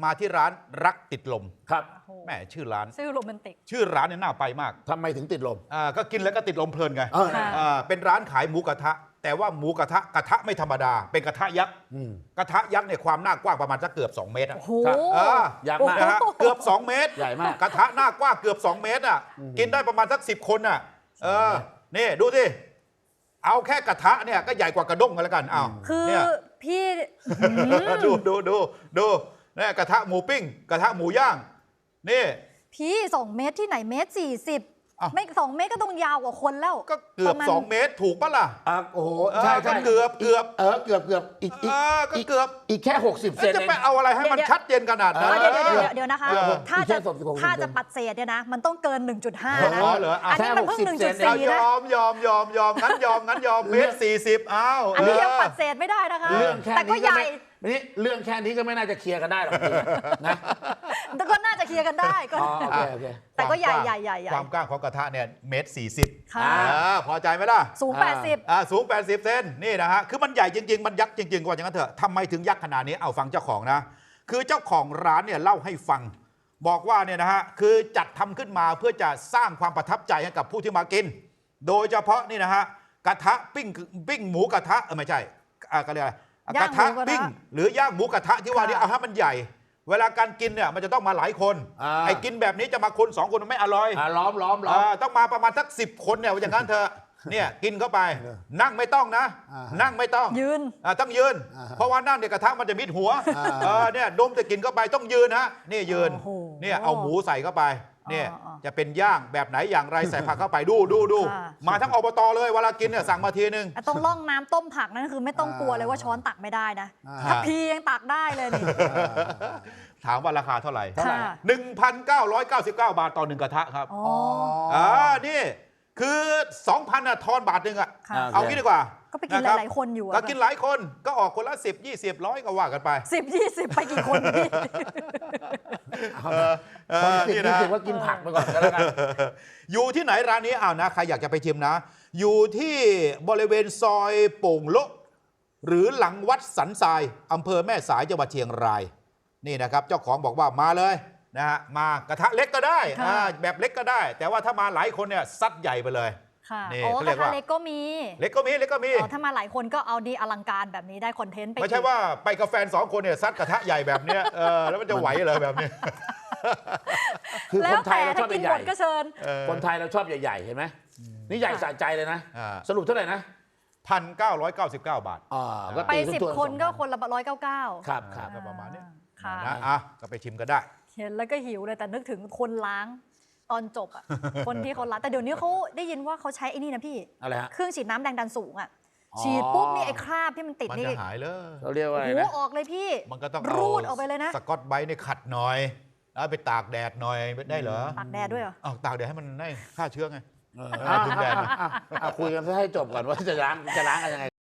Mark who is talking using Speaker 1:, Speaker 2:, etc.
Speaker 1: มาที่ร้านรักติดลม
Speaker 2: ครับ
Speaker 1: แม่ชื่อร้าน
Speaker 3: ชื่อโรแมนติก
Speaker 1: ชื่อร้านเนี่ยน่าไปมาก
Speaker 2: ทำไมถึงติดลม
Speaker 1: ก็กินแล้วก็ติดลมเพลินไง
Speaker 3: ค่ะ
Speaker 1: เป็นร้านขายหมูกระทะ แต่ว่าหมูกระทะไม่ธรรมดา เป็นกระทะยักษ์กระทะยักษ์เนี่ยความหน้ากว้างประมาณสักเกือบ2 เมตร
Speaker 3: โอ้โห
Speaker 2: อยากมาก
Speaker 1: นะฮะเกือบ2 เมตร
Speaker 2: ใหญ่มาก
Speaker 1: กระทะหน้ากว้างเกือบ2 เมตรอ่ะกินได้ประมาณสัก10 คนอ่ะนี่ดูสิเอาแค่กระทะเนี่ยก็ใหญ่กว่ากระด้งกันแล้วกันอ้าว
Speaker 3: คือ
Speaker 1: เนี่ย
Speaker 3: พี่
Speaker 1: ดูนี่กระทะหมูปิ้ง กระทะหมูย่างนี่
Speaker 3: พี่2 เมตรที่ไหน1.40 เมตร
Speaker 1: อ้าว
Speaker 3: ไม่2 เมตรก็ต้องยาวกว่าคนแล้ว
Speaker 1: ก็เกือบ
Speaker 3: ประมาณ
Speaker 1: 2 เมตรถูกปะล่ะ
Speaker 2: โอ้โหใช่
Speaker 1: ก็
Speaker 2: ใช่
Speaker 1: เกือบ
Speaker 2: เกือบอีก
Speaker 1: ก็เกือบ
Speaker 2: อีกแค่60 เซน
Speaker 1: จะ
Speaker 2: เอง
Speaker 1: ไปเอาอะไรให้มันชัดเจนขนาดนั้น
Speaker 3: เดี๋ยวนะคะ ถ้า
Speaker 2: แค่
Speaker 3: จะ
Speaker 2: 16
Speaker 3: ถ้าจะปัดเศษเนี่ยนะ มันต้องเกิน 1.5 นะ
Speaker 1: อ๋อเหรออ่ะ
Speaker 3: อันนี้มันเพิ่ง
Speaker 2: แค่60
Speaker 1: เอา
Speaker 3: 1.4 นะ
Speaker 1: ยอมงั้นยอม1.40 เอา
Speaker 3: อันนี้ยังปัดเศษไม่ได้นะคะ
Speaker 2: เรื่องแค่
Speaker 3: แต่ก็
Speaker 2: นี้
Speaker 3: ให
Speaker 2: ก็
Speaker 3: ญ่
Speaker 2: ไม่นี่เรื่องแค่นี้ก็ไม่น่าจะเคลียร์กันได้หรอกจริงๆนะ
Speaker 3: แต่ก็น่าจะเคลียร์กันได้ก็
Speaker 2: อ๋อโอเค
Speaker 3: แต่ก็ใหญ่
Speaker 1: ความกว้างของกระทะเนี่ย1.40
Speaker 3: ค่ะ
Speaker 1: พอใจไหมล่ะ
Speaker 3: สูง 80
Speaker 1: สูง80 เซนนี่นะฮะคือมันใหญ่จริงๆมันยักษ์จริงๆว่าอย่างนั้นเถอะทำไมถึงยักษ์ขนาดนี้เอาฟังเจ้าของนะคือเจ้าของร้านเนี่ยเล่าให้ฟัง บอกว่าเนี่ยนะฮะคือจัดทำขึ้นมาเพื่อจะสร้างความประทับใจให้กับผู้ที่มากิน โดยเฉพาะนี่นะฮะกระทะปิ้งหมูกระทะไม่ใช่ก็เรียกอะไรกระทะปิ้งหรือย่างหมูกระทะที่ว่านี่เอาให้มันใหญ่ เวลาการกินเนี่ยมันจะต้องมาหลายคนไอ้กินแบบนี้จะมาคน2 คนมันไม่อร่อย
Speaker 2: ล้อม
Speaker 1: ต้องมาประมาณสัก10 คนเนี่ยอย่างนั้นเถอะเนี่ยกินเข้าไปนั่งไม่ต้องนะ นั่งไม่ต้อง
Speaker 3: ยืน
Speaker 1: ต้องยืน เพราะว่านั่งเนี่ยกระทะมันจะมิดหัวเนี่ยดมจะกินเข้าไปต้องยืนฮะนี่ยืน
Speaker 3: โอ้โห
Speaker 1: เนี่ยเอาหมูใส่เข้าไปเนี่ย
Speaker 3: อ๋อ
Speaker 1: จะเป็นย่างแบบไหนอย่างไรใส่ผักเข้าไปดู
Speaker 3: ค่ะ
Speaker 1: มาทั้งอบตเลยเวลากินเนี่ยสั่งมาทีนึง
Speaker 3: ตรงร่องน้ำต้มผักนั่นคือไม่ต้องกลัวเลยว่าช้อนตักไม่ได้นะ ถ้าพียังตักได้เลยนี่
Speaker 1: ถามว่าราคาเท่าไหร่
Speaker 3: ค่ะ
Speaker 1: 1,999 บาทต่อ1 กระทะครับ
Speaker 3: อ๋อ
Speaker 1: นี่คือ 2,000น่ะทอนบาทหนึ่งอ่ะ
Speaker 3: ค่ะ
Speaker 1: เอางี้ดีกว่า
Speaker 3: ก็ไปกิน
Speaker 1: ะรับ
Speaker 3: หลายๆคนอยู่อะ
Speaker 1: ก็กินหลายคนก็ออกคนละ10 20 100ก็ว่ากันไป
Speaker 3: 10-20 ไปกี่คนพี่
Speaker 2: คนติด
Speaker 1: นี่
Speaker 2: นี่
Speaker 1: นะ
Speaker 2: ถือว่ากินผักไปก่อนก็แล้วกัน
Speaker 1: อยู่ที่ไหนร้านนี้อ้าวนะใครอยากจะไปชิมนะ อยู่ที่บริเวณซอยโป่งโละหรือหลังวัดสันทรายอำเภอแม่สายจังหวัดเชียงรายนี่นะครับเจ้าของบอกว่ามาเลยนะฮะมากระทะเล็กก็ได้
Speaker 3: ค่ะ
Speaker 1: แบบเล็กก็ได้ แต่ว่าถ้ามาหลายคนเนี่ยซัดใหญ่ไปเลย
Speaker 3: ค่ะ
Speaker 1: นี่
Speaker 3: โอ้
Speaker 1: เขา
Speaker 3: ก
Speaker 1: เรีย
Speaker 3: ระ
Speaker 1: ก
Speaker 3: ทะ
Speaker 1: ว่า
Speaker 3: เล็กก็มี
Speaker 1: เล็กก็มี
Speaker 3: อ๋อถ้ามาหลายคนก็เอาดีอลังการแบบนี้ได้คอนเทนต์ไป
Speaker 1: ไม่ใช่
Speaker 3: อีก
Speaker 1: ว่าไปกับแฟน2 คนเนี่ยซัดกระทะใหญ่แบบเนี้ยแล้วมันจะไหวเหรอแบบเนี้ย
Speaker 2: คือ
Speaker 3: แล้
Speaker 2: ค
Speaker 3: วน
Speaker 2: ไท
Speaker 3: แต่
Speaker 2: ยเราช
Speaker 3: ถ้า
Speaker 2: อบ
Speaker 3: กิน
Speaker 2: ให
Speaker 3: หม
Speaker 2: ญ่
Speaker 3: ดก็เชิญ
Speaker 2: คนไทยเราชอบใหญ่ๆเห็นไหมนี่ใหญ่สะใจเลยนะ สรุปเท่าไหร่นะ
Speaker 1: 1,999 บาท
Speaker 2: ก็
Speaker 3: ไป
Speaker 2: ตีตัว
Speaker 3: 10 คนก็คนละ199
Speaker 2: ครับ
Speaker 1: ก็ประมาณนี้
Speaker 3: ค่ะ
Speaker 1: นะก็ไปชิมกันได้
Speaker 3: เห็นแล้วก็หิวเลยแต่นึกถึงคนล้างตอนจบอ่ะ คนที่เขาล้างแต่เดี๋ยวนี้เขาได้ยินว่าเขาใช้ไอ้นี่นะพี่
Speaker 2: อะไรฮะ
Speaker 3: เครื่องฉีดน้ำแรงดันสูงอ่ะ
Speaker 2: อ๋อ
Speaker 3: ฉีดปุ๊บนี่ไอ้คราบที่มันติด
Speaker 1: มัน
Speaker 3: นี่
Speaker 1: จะหายเลย
Speaker 2: เขาเรียกว่าอะไร
Speaker 3: โอ้
Speaker 2: นะ
Speaker 3: โหออกเลยพี่
Speaker 1: มันก็ต้อง
Speaker 3: รูดออกไปเลยนะ
Speaker 1: สกอตไบรท์นี่ขัดหน่อยแล้วไปตากแดดหน่อยได้เหรอ
Speaker 3: ตากแดดด้วยเหรอ
Speaker 1: อ้าวตากแดดให้มันได้ฆ่าเชื้อไง
Speaker 2: คุยกันให้จบก่อนว่าจะล้างกันยังไง